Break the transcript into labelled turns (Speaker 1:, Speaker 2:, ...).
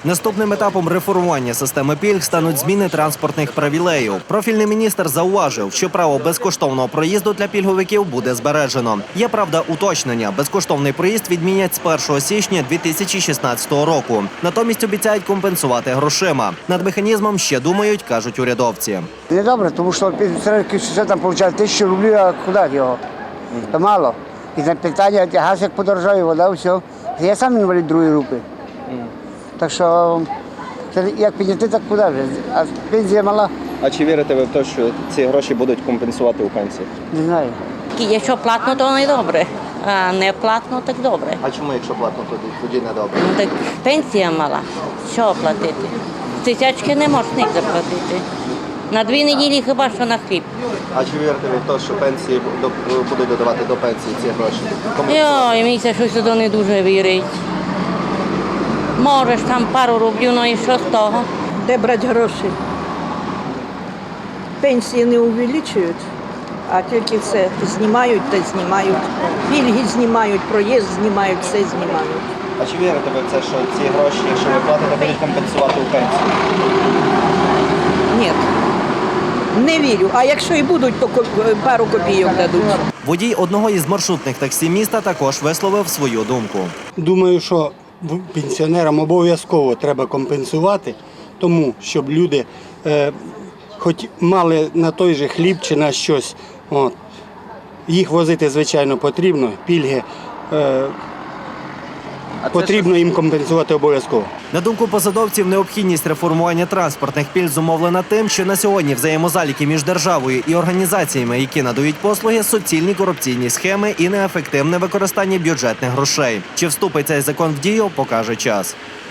Speaker 1: Наступним етапом реформування системи пільг стануть зміни транспортних привілеїв. Профільний міністр зауважив, що право безкоштовного проїзду для пільговиків буде збережено. Є, правда, уточнення. Безкоштовний проїзд відмінять з 1 січня 2016 року. Натомість обіцяють компенсувати грошима. Над механізмом ще думають, кажуть урядовці.
Speaker 2: Недобре, тому що пенсіонери що там отримують 1000 рублів, а куди його? То мало. І на питання, газ як подорожає, вода, все. Я сам інвалід другої групи. Так що, це як підняти, так куди вже? А пенсія мала?
Speaker 3: А чи вірите ви в те, що ці гроші будуть компенсувати у пенсії?
Speaker 2: Не знаю.
Speaker 4: Якщо платно, то не добре, а не платно, так добре.
Speaker 3: А чому, якщо платно, тоді не добре?
Speaker 4: Ну, так пенсія мала, що платити? Тисячки не можна їх заплатити. На 2 неділі хіба що на хліб.
Speaker 3: А чи вірите ви в те, що пенсії будуть додавати до пенсії ці гроші?
Speaker 4: Йой, мені це щось туди не дуже вірить. Можеш там пару рублів, ну і що з того?
Speaker 5: Де брати гроші? Пенсії не увеличують, а тільки все знімають та знімають. Пільги знімають, проїзд знімають, все знімають.
Speaker 3: А чи вірите ви в це, що ці гроші, якщо ви платите, будуть компенсувати у пенсії?
Speaker 5: Ні, не вірю. А якщо і будуть, то пару копійок дадуть.
Speaker 1: Водій одного із маршрутних таксі міста також висловив свою думку.
Speaker 6: Думаю, що пенсіонерам обов'язково треба компенсувати, тому щоб люди хоч мали на той же хліб чи на щось. От. Їх возити, звичайно, потрібно, пільги потрібно їм компенсувати обов'язково.
Speaker 1: На думку посадовців, необхідність реформування транспортних пільг зумовлена тим, що на сьогодні взаємозаліки між державою і організаціями, які надають послуги, суцільні корупційні схеми і неефективне використання бюджетних грошей. Чи вступить цей закон в дію, покаже час.